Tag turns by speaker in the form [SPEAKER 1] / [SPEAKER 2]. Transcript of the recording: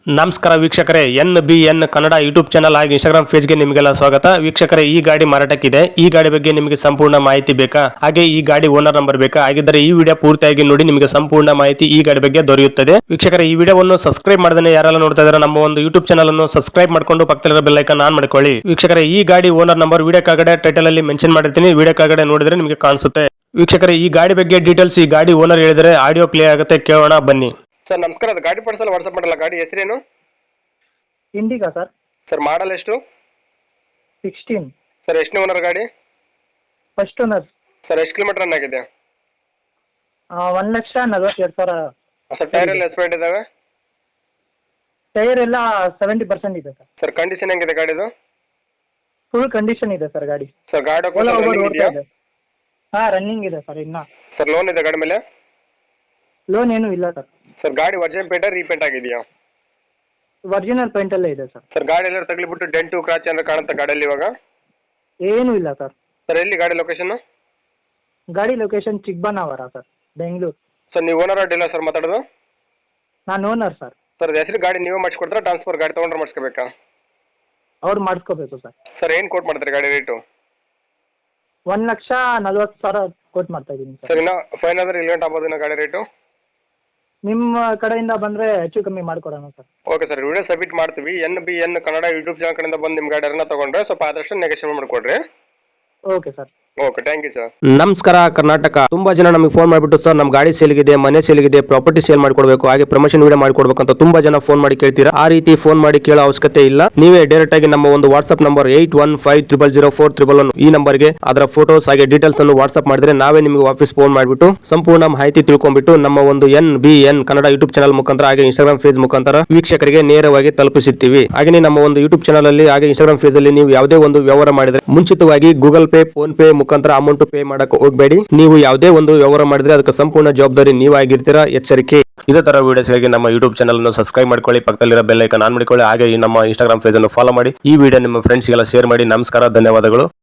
[SPEAKER 1] ನಮಸ್ಕಾರ ವೀಕ್ಷಕರೇ, NBN Kannada YouTube channel ಹಾಗೂ ಇನ್ಸ್ಟಾಗ್ರಾಮ್ ಪೇಜ್ಗೆ ನಿಮಗೆಲ್ಲ ಸ್ವಾಗತ. ವೀಕ್ಷಕರೇ, ಈ ಗಾಡಿ ಮಾರಾಟಕ್ಕಿದೆ. ಈ ಗಾಡಿ ಬಗ್ಗೆ ನಿಮಗೆ ಸಂಪೂರ್ಣ ಮಾಹಿತಿ ಬೇಕಾ? ಹಾಗೆ ಈ ಗಾಡಿ ಓನರ್ ನಂಬರ್ ಬೇಕಾ? ಹಾಗಿದ್ದರೆ ಈ ವಿಡಿಯೋ ಪೂರ್ತಿಯಾಗಿ ನೋಡಿ, ನಿಮಗೆ ಸಂಪೂರ್ಣ ಮಾಹಿತಿ ಈ ಗಾಡಿ ಬಗ್ಗೆ ದೊರೆಯುತ್ತದೆ. ವೀಕ್ಷಕರೇ, ಈ ವಿಡಿಯೋವನ್ನು ಸಬ್ಸ್ಕ್ರೈಬ್ ಮಾಡದೇ ಯಾರೆಲ್ಲ ನೋಡ್ತಾ ಇದ್ದಾರೆ ನಮ್ಮ ಒಂದು ಯೂಟ್ಯೂಬ್ ಚಾನಲ್ ಅನ್ನು ಸಬ್ಸ್ಕ್ರೈಬ್ ಮಾಡ್ಕೊಂಡು ಪಕ್ಕದಲ್ಲಿರೋ ಬೆಲ್ ಐಕಾನ್ ಆನ್ ಮಾಡ್ಕೊಳ್ಳಿ. ವೀಕ್ಷಕರೇ, ಈ ಗಾಡಿ ಓನರ್ ನಂಬರ್ ವಿಡಿಯೋ ಕೆಳಗಡೆ ಟೈಟಲ್ ಅಲ್ಲಿ ಮೆನ್ಷನ್ ಮಾಡಿರ್ತೀನಿ, ವಿಡಿಯೋ ಕೆಳಗಡೆ ನೋಡಿದ್ರೆ ನಿಮಗೆ ಕಾಣಿಸುತ್ತೆ. ವೀಕ್ಷಕರೇ, ಈ ಗಾಡಿ ಬಗ್ಗೆ ಡೀಟೇಲ್ಸ್ ಈ ಗಾಡಿ ಓನರ್ ಹೇಳಿದರೆ ಆಡಿಯೋ ಪ್ಲೇ ಆಗುತ್ತೆ, ಕೇಳೋಣ ಬನ್ನಿ.
[SPEAKER 2] ಸರ್ ನಮಸ್ಕಾರ, ಅದು ಗಾಡಿ ಪಡಿಸಲ್ಲ ವಾಟ್ಸಪ್ ಮಾಡಲ್ಲ. ಗಾಡಿ ಹೆಸರೇನು?
[SPEAKER 3] ಇಂಡಿಗಾ ಸರ್.
[SPEAKER 2] ಸರ್ ಮಾಡಲ್ ಎಷ್ಟು?
[SPEAKER 3] 16.
[SPEAKER 2] ಸರ್ ಎಷ್ಟು ಓನರ್ ಗಾಡಿ?
[SPEAKER 3] First owner.
[SPEAKER 2] ಸರ್ ಎಷ್ಟು ಕಿಲೋಮೀಟರ್ ರನ್ ಆಗಿದೆ?
[SPEAKER 3] 1,42,000.
[SPEAKER 2] ಸರ್ ಟೈರ್ ಎಲ್ಲ ಎಸ್ಪೆಂಟ್ ಇದಾವೆ?
[SPEAKER 3] ಟೈರ್ ಎಲ್ಲ 70% ಇದೆ ಸರ್.
[SPEAKER 2] ಸರ್ ಕಂಡೀಷನ್ ಹೆಂಗಿದೆ ಗಾಡಿದು?
[SPEAKER 3] ಫುಲ್ ಕಂಡೀಷನ್ ಇದೆ ಸರ್ ಗಾಡಿ.
[SPEAKER 2] ಸರ್ ಗಾಡಿ
[SPEAKER 3] ಓಡ್ತಾ ಇದೆ. ರನ್ನಿಂಗ್ ಇದೆ ಸರ್. ಇನ್ನ
[SPEAKER 2] ಸರ್ ಲೋನ್ ಇದೆ ಗಾಡಿ ಮೇಲೆ?
[SPEAKER 3] ಲೋನ್ ಏನೂ ಇಲ್ಲ ಸರ್.
[SPEAKER 2] ಸರ್ ಗಾಡಿ ಒರಿಜಿನಲ್ ಪೇಂಟ್ ರೀಪೇಂಟ್ ಆಗಿದೆಯಾ?
[SPEAKER 3] ಒರಿಜಿನಲ್ ಪೇಂಟ್ ಅಲ್ಲೇ ಇದೆ ಸರ್.
[SPEAKER 2] ಸರ್ ಗಾಡಿ ಎಲ್ಲ ತಗ್ಲಿಬಿಟ್ಟು ಡೆಂಟು ಕ್ರಾಚ್ ಅಂದ್ರೆ ಕಾಣುತ್ತೆ ಗಾಡಿಯಲ್ಲಿ ಇವಾಗ?
[SPEAKER 3] ಏನೂ ಇಲ್ಲ ಸರ್.
[SPEAKER 2] ಸರ್ ಎಲ್ಲಿ ಗಾಡಿ ಲೊಕೇಶನ್?
[SPEAKER 3] ಗಾಡಿ location Chikkaballapur sir, Bengaluru.
[SPEAKER 2] Sir ನೀವು ಓನರ್ ಡೀಲರ್ ಸರ್ ಮಾತಾಡೋದು?
[SPEAKER 3] ನಾನು ಓನರ್ ಸರ್.
[SPEAKER 2] ಸರ್ ಹೆಸರು ಗಾಡಿ ನೀವೇ ಮಾಡಿಸ್ಕೊಡ್ತಾರಾ ಟ್ರಾನ್ಸ್ಫರ್ ಗಾಡಿ ತೊಗೊಂಡ್ರೆ ಮಾಡಿಸ್ಕೋಬೇಕಾ?
[SPEAKER 3] ಅವ್ರು ಮಾಡಿಸ್ಕೋಬೇಕು ಸರ್.
[SPEAKER 2] ಸರ್ ಏನು ಕೋಟ್ ಮಾಡ್ತಾರೆ ಗಾಡಿ ರೇಟು?
[SPEAKER 3] 1,40,000 ಕೋಟ್ ಮಾಡ್ತಾ ಇದ್ದೀನಿ ಸರ್.
[SPEAKER 2] ಸರ್ ಇನ್ನು ಫೈನ್ ಆದರೆ ಇಲ್ಲಿ ಗಂಟೆ ಆಗ್ಬೋದು ಗಾಡಿ ರೇಟು?
[SPEAKER 3] ನಿಮ್ಮ ಕಡೆಯಿಂದ ಬಂದರೆ ಹೆಚ್ಚು ಕಮ್ಮಿ ಮಾಡಿಕೊಡೋಣ sir.
[SPEAKER 2] Okay sir, video submit ಮಾಡ್ತೀವಿ. NBN ಕನ್ನಡ ಯೂಟ್ಯೂಬ್ ಚಾನಲ್ ಕಡೆಯಿಂದ ಬಂದು ನಿಮ್ಮ ಗಾಡಿಯನ್ನು ತೊಗೊಂಡ್ರೆ ಸ್ವಲ್ಪ ಆದಷ್ಟು ನೆಗೋಷಿಯೇಟ್ ಮಾಡಿಕೊಡ್ರಿ.
[SPEAKER 3] Okay sir.
[SPEAKER 2] Okay, thank you sir.
[SPEAKER 1] ನಮಸ್ಕಾರ ಕರ್ನಾಟಕ. ತುಂಬಾ ಜನ ನಮಗೆ ಫೋನ್ ಮಾಡಿಬಿಟ್ಟು ಸರ್ ನಮ್ಮ ಗಾಡಿ ಸೇಲ್ಗಿದೆ, ಮನೆ ಸೇಲ್ಗಿದೆ, ಪ್ರಾಪರ್ಟಿ ಸೇಲ್ ಮಾಡ್ಕೊಡ್ಬೇಕು, ಹಾಗೆ ಪ್ರಮೋಷನ್ ವಿಡಿಯೋ ಮಾಡ್ಕೊಡ್ಬೇಕು ಅಂತ ತುಂಬಾ ಜನ ಫೋನ್ ಮಾಡಿ ಕೇಳ್ತೀರಾ. ಆ ರೀತಿ ಫೋನ್ ಮಾಡಿ ಕೇಳೋ ಅವಶ್ಯಕತೆ ಇಲ್ಲ. ನೀವೇ ಡೈರೆಕ್ಟ್ ಆಗಿ ನಮ್ಮ ಒಂದು ವಾಟ್ಸ್ಆಪ್ ನಂಬರ್ 81500411 ಈ ನಂಬರ್ಗೆ ಅದರ ಫೋಟೋಸ್ ಹಾಗೆ ಡೀಟೇಲ್ಸ್ ಅನ್ನು ವಾಟ್ಸ್ಆಪ್ ಮಾಡಿದ್ರೆ ನಾವೇ ನಿಮಗೆ ವಾಪಸ್ ಫೋನ್ ಮಾಡಿಬಿಟ್ಟು ಸಂಪೂರ್ಣ ಮಾಹಿತಿ ತಿಳ್ಕೊಂಡ್ಬಿಟ್ಟು ನಮ್ಮ ಒಂದು NBN ಕನ್ನಡ ಯೂಟ್ಯೂಬ್ ಚಾನಲ್ ಮುಖಾಂತರ ಹಾಗೆ ಇನ್ಸ್ಟಾಗ್ರಾಮ್ ಪೇಜ್ ಮುಖಾಂತರ ವೀಕ್ಷಕರಿಗೆ ನೇರವಾಗಿ ತಲುಪಿಸುತ್ತೀವಿ. ಹಾಗೆ ನಮ್ಮ ಒಂದು ಯೂಟ್ಯೂಬ್ ಚಾನಲ್ ಅಲ್ಲಿ ಹಾಗೆ ಇನ್ಸ್ಟಾಗ್ರಾಮ್ ಪೇಜ್ ಅಲ್ಲಿ ನೀವು ಯಾವುದೇ ಒಂದು ವ್ಯವಹಾರ ಮಾಡಿದ್ರೆ ಮುಂಚಿತವಾಗಿ ಗೂಗಲ್ ಪೇ, ಫೋನ್ ಪೇ ಮುಖಾಂತರ ಅಮೌಂಟ್ ಪೇ ಮಾಡಕ್ಕೆ ಹೋಗಬೇಡಿ. ನೀವು ಯಾವುದೇ ಒಂದು ವ್ಯವಹಾರ ಮಾಡಿದ್ರೆ ಅದಕ್ಕೆ ಸಂಪೂರ್ಣ ಜವಾಬ್ದಾರಿ ನೀವಾಗಿರ್ತೀರಾ, ಎಚ್ಚರಿಕೆ. ಇದೇ ತರ ವಿಡಿಯೋಸ್ಗಾಗಿ ನಮ್ಮ ಯೂಟ್ಯೂಬ್ ಚಾನಲ್ ಅನ್ನು ಸಬ್ಸ್ಕ್ರೈಬ್ ಮಾಡ್ಕೊಳ್ಳಿ, ಪಕ್ಕದಲ್ಲಿರೋ ಬೆಲ್ ಐಕಾನ್ ಆನ್ ಮಾಡಿಕೊಳ್ಳಿ, ಹಾಗೆ ನಮ್ಮ ಇನ್ಸ್ಟಾಗ್ರಾಮ್ ಪೇಜ್ ಅನ್ನು ಫಾಲೋ ಮಾಡಿ. ಈ ವಿಡಿಯೋ ನಿಮ್ಮ ಫ್ರೆಂಡ್ಸ್ಗೆಲ್ಲ ಶೇರ್ ಮಾಡಿ. ನಮಸ್ಕಾರ, ಧನ್ಯವಾದಗಳು.